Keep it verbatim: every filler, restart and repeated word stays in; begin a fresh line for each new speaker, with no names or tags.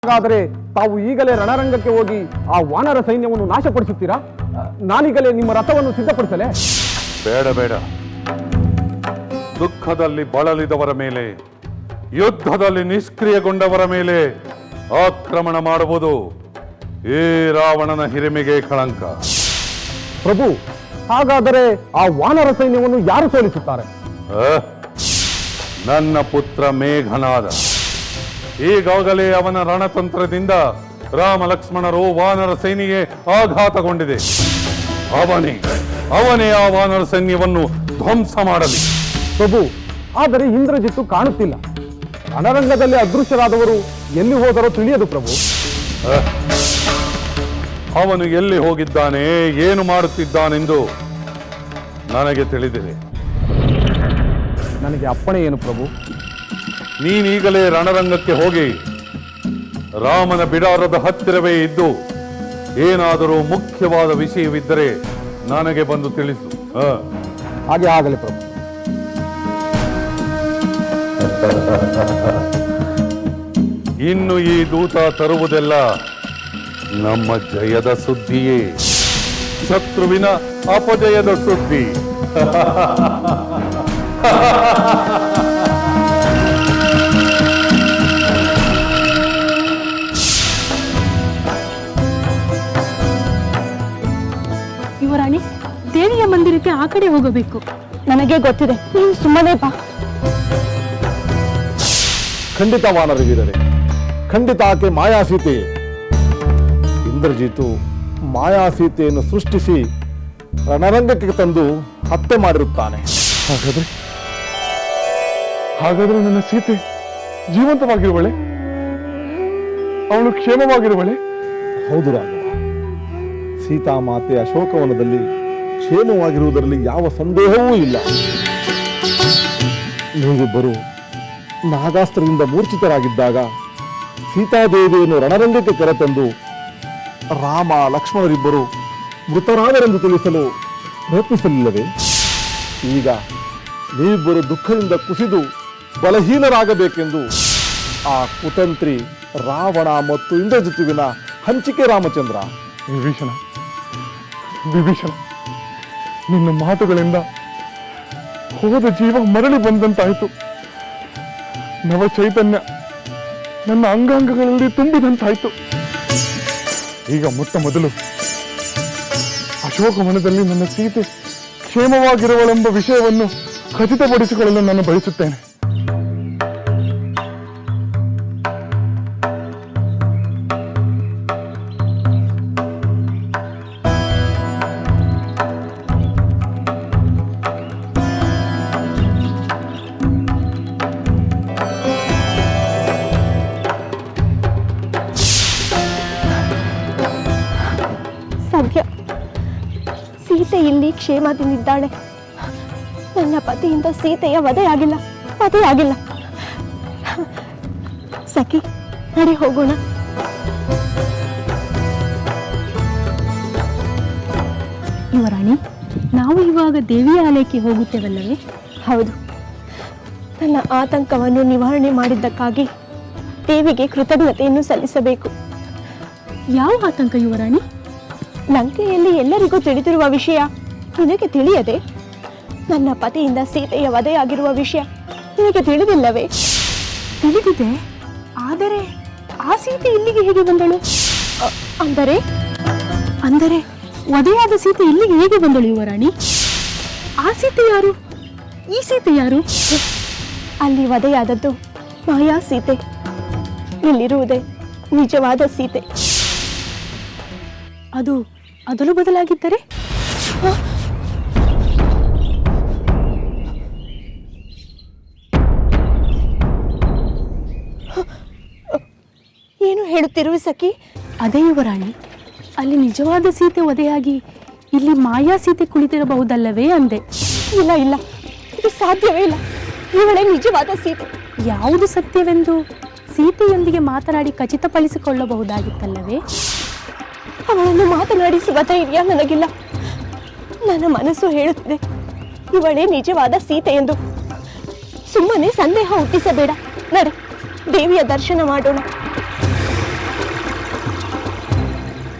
ಹಾಗಾದರೆ ತಾವು ಈಗಲೇ ರಣರಂಗಕ್ಕೆ ಹೋಗಿ ಆ ವಾನರ ಸೈನ್ಯವನ್ನು ನಾಶಪಡಿಸುತ್ತೀರಾ? ನಾನೀಗಲೇ ನಿಮ್ಮ ರಥವನ್ನು ಸಿದ್ಧಪಡಿಸಲೇ?
ಬೇಡ ಬೇಡ. ದುಃಖದಲ್ಲಿ ಬಳಲಿದವರ ಮೇಲೆ, ಯುದ್ಧದಲ್ಲಿ ನಿಷ್ಕ್ರಿಯಗೊಂಡವರ ಮೇಲೆ ಆಕ್ರಮಣ ಮಾಡುವುದು ಈ ರಾವಣನ ಹಿರಿಮೆಗೆ ಕಳಂಕ.
ಪ್ರಭು, ಹಾಗಾದರೆ ಆ ವಾನರ ಸೈನ್ಯವನ್ನು ಯಾರು ಸೋಲಿಸುತ್ತಾರೆ?
ನನ್ನ ಪುತ್ರ ಮೇಘನಾದ. ಈಗಾಗಲೇ ಅವನ ರಣತಂತ್ರದಿಂದ ರಾಮ ಲಕ್ಷ್ಮಣರು ವಾನರ ಸೈನ್ಯಕ್ಕೆ ಆಘಾತಗೊಂಡಿದೆ. ಅವನೇ ಅವನೇ ಆ ವಾನರ ಸೈನ್ಯವನ್ನು ಧ್ವಂಸ ಮಾಡಲಿ.
ಪ್ರಭು, ಆದರೆ ಇಂದ್ರಜಿತ್ತು ಕಾಣುತ್ತಿಲ್ಲ. ರಣರಂಗದಲ್ಲಿ ಅದೃಶ್ಯರಾದವರು ಎಲ್ಲಿ ಹೋದರೋ ತಿಳಿಯದು ಪ್ರಭು.
ಅವನು ಎಲ್ಲಿ ಹೋಗಿದ್ದಾನೆ, ಏನು ಮಾಡುತ್ತಿದ್ದಾನೆಂದು ನನಗೆ ತಿಳಿದಿದೆ.
ನನಗೆ ಅಪ್ಪಣೆ ಏನು ಪ್ರಭು?
ನೀನೀಗಲೇ ರಣರಂಗಕ್ಕೆ ಹೋಗಿ ರಾಮನ ಬಿಡಾರದ ಹತ್ತಿರವೇ ಇದ್ದು ಏನಾದರೂ ಮುಖ್ಯವಾದ ವಿಷಯವಿದ್ದರೆ ನನಗೆ ಬಂದು ತಿಳಿಸು.
ಹಾಗೆ ಆಗಲಿ ಪ್ರಭು.
ಇನ್ನು ಈ ದೂತ ತರುವುದೆಲ್ಲ ನಮ್ಮ ಜಯದ ಸುದ್ದಿಯೇ, ಶತ್ರುವಿನ ಅಪಜಯದ ಸುದ್ದಿ.
ಯುವರಾಣಿ, ದೇವಿಯ ಮಂದಿರಕ್ಕೆ ಆ ಕಡೆ ಹೋಗಬೇಕು.
ನನಗೆ ಗೊತ್ತಿದೆ, ನೀವು ಸುಮ್ಮನೆ ಬಾ.
ಖಂಡಿತ ವಾನರವೀರರೇ, ಖಂಡಿತ ಆಕೆ ಮಾಯಾಸೀತೆ. ಇಂದ್ರಜಿತು ಮಾಯಾಸೀತೆಯನ್ನು ಸೃಷ್ಟಿಸಿ ರಣರಂಗಕ್ಕೆ ತಂದು ಹತ್ಯೆ ಮಾಡಿರುತ್ತಾನೆ.
ಹಾಗಾದ್ರೆ ಹಾಗಾದ್ರೆ ನನ್ನ ಸೀತೆ ಜೀವಂತವಾಗಿರುವಳೆ, ಅವಳು ಕ್ಷೇಮವಾಗಿರುವಳೆ?
ಹೌದು ರಾಘವ, ಸೀತಾಮಾತೆ ಅಶೋಕವನದಲ್ಲಿ ಕ್ಷೇಮವಾಗಿರುವುದರಲ್ಲಿ ಯಾವ ಸಂದೇಹವೂ ಇಲ್ಲ. ನೀವಿಬ್ಬರು ನಾಗಾಸ್ತ್ರದಿಂದ ಮೂರ್ಛಿತರಾಗಿದ್ದಾಗ ಸೀತಾದೇವಿಯನ್ನು ರಣರಂಗಕ್ಕೆ ಕರೆತಂದು ರಾಮ ಲಕ್ಷ್ಮಣರಿಬ್ಬರು ಮೃತರಾದರೆಂದು ತಿಳಿಸಲು ಪ್ರಯತ್ನಿಸಲಿಲ್ಲವೇ? ಈಗ ನೀವಿಬ್ಬರು ದುಃಖದಿಂದ ಕುಸಿದು ಬಲಹೀನರಾಗಬೇಕೆಂದು ಆ ಕುತಂತ್ರಿ ರಾವಣ ಮತ್ತು ಇಂದ್ರಜಿತುವಿನ ಹಂಚಿಕೆ ರಾಮಚಂದ್ರ.
ವಿಭೀಷಣ, ವಿಭೀಷಣ, ನಿನ್ನ ಮಾತುಗಳಿಂದ ಹೋದ ಜೀವ ಮರಳಿ ಬಂದಂತಾಯಿತು. ನವ ಚೈತನ್ಯ ನನ್ನ ಅಂಗಾಂಗಗಳಲ್ಲಿ ತುಂಬಿದಂತಾಯಿತು. ಈಗ ಮೊಟ್ಟ ಮೊದಲು ಅಶೋಕವನದಲ್ಲಿ ನನ್ನ ಸೀತೆ ಕ್ಷೇಮವಾಗಿರುವಳೆಂಬ ವಿಷಯವನ್ನು ಖಚಿತಪಡಿಸಿಕೊಳ್ಳಲು ನಾನು ಬಯಸುತ್ತೇನೆ.
ಸದ್ಯ ಸೀತೆ ಇಲ್ಲಿ ಕ್ಷೇಮದಿಂದಿದ್ದಾಳೆ. ನನ್ನ ಪತಿಯಿಂದ ಸೀತೆಯ ವಧೆಯಾಗಿಲ್ಲ, ವಧೆಯಾಗಿಲ್ಲ. ಸಖಿ, ನಡಿ ಹೋಗೋಣ.
ಯುವರಾಣಿ, ನಾವು ಇವಾಗ ದೇವಿಯ ಆಲಯಕ್ಕೆ ಹೋಗುತ್ತೇವಲ್ಲವೇ?
ಹೌದು, ನನ್ನ ಆತಂಕವನ್ನು ನಿವಾರಣೆ ಮಾಡಿದ್ದಕ್ಕಾಗಿ ದೇವಿಗೆ ಕೃತಜ್ಞತೆಯನ್ನು ಸಲ್ಲಿಸಬೇಕು.
ಯಾವ ಆತಂಕ ಯುವರಾಣಿ?
ಲಂಕೆಯಲ್ಲಿ ಎಲ್ಲರಿಗೂ ತಿಳಿದಿರುವ ವಿಷಯ ನಿನಗೆ ತಿಳಿಯದೆ? ನನ್ನ ಪತಿಯಿಂದ ಸೀತೆಯ ವಧೆಯಾಗಿರುವ ವಿಷಯ ನಿನಗೆ ತಿಳಿದಿಲ್ಲವೇ?
ತಿಳಿದಿದೆ, ಆದರೆ ಆ ಸೀತೆ ಇಲ್ಲಿಗೆ ಹೇಗೆ ಬಂದಳು?
ಅಂದರೆ
ಅಂದರೆ ವಧೆಯಾದ ಸೀತೆ ಇಲ್ಲಿಗೆ ಹೇಗೆ ಬಂದಳು ಯುವರಾಣಿ? ಆ ಸೀತೆ ಯಾರು? ಈ ಸೀತೆ ಯಾರು?
ಅಲ್ಲಿ ವಧೆಯಾದದ್ದು ಮಾಯಾ ಸೀತೆ, ಇಲ್ಲಿರುವುದೇ ನಿಜವಾದ ಸೀತೆ.
ಅದು ಅದಲು ಬದಲಾಗಿದ್ದರೆ?
ಏನು ಹೇಳುತ್ತಿರುವೆ ಸಖಿ?
ಅದೇ ಯುವರಾಣಿ, ಅಲ್ಲಿ ನಿಜವಾದ ಸೀತೆ ವಧೆಯಾಗಿ ಇಲ್ಲಿ ಮಾಯಾ ಸೀತೆ ಕುಳಿತಿರಬಹುದಲ್ಲವೇ ಅಂದೆ.
ಇಲ್ಲ ಇಲ್ಲ, ಇದು ಸಾಧ್ಯವೇ ಇಲ್ಲ. ಇವಳೇ ನಿಜವಾದ ಸೀತೆ.
ಯಾವುದು ಸತ್ಯವೆಂದು ಸೀತೆಯೊಂದಿಗೆ ಮಾತನಾಡಿ ಖಚಿತಪಡಿಸಿಕೊಳ್ಳಬಹುದಾಗಿತ್ತಲ್ಲವೇ?
ಅವಳನ್ನು ಮಾತನಾಡಿಸುವ ಧೈರ್ಯ ನನಗಿಲ್ಲ. ನನ್ನ ಮನಸ್ಸು ಹೇಳುತ್ತಿದೆ ಇವಳೇ ನಿಜವಾದ ಸೀತೆ ಎಂದು. ಸುಮ್ಮನೆ ಸಂದೇಹ ಹುಟ್ಟಿಸಬೇಡ. ನಡೆ, ದೇವಿಯ ದರ್ಶನ ಮಾಡೋಣ.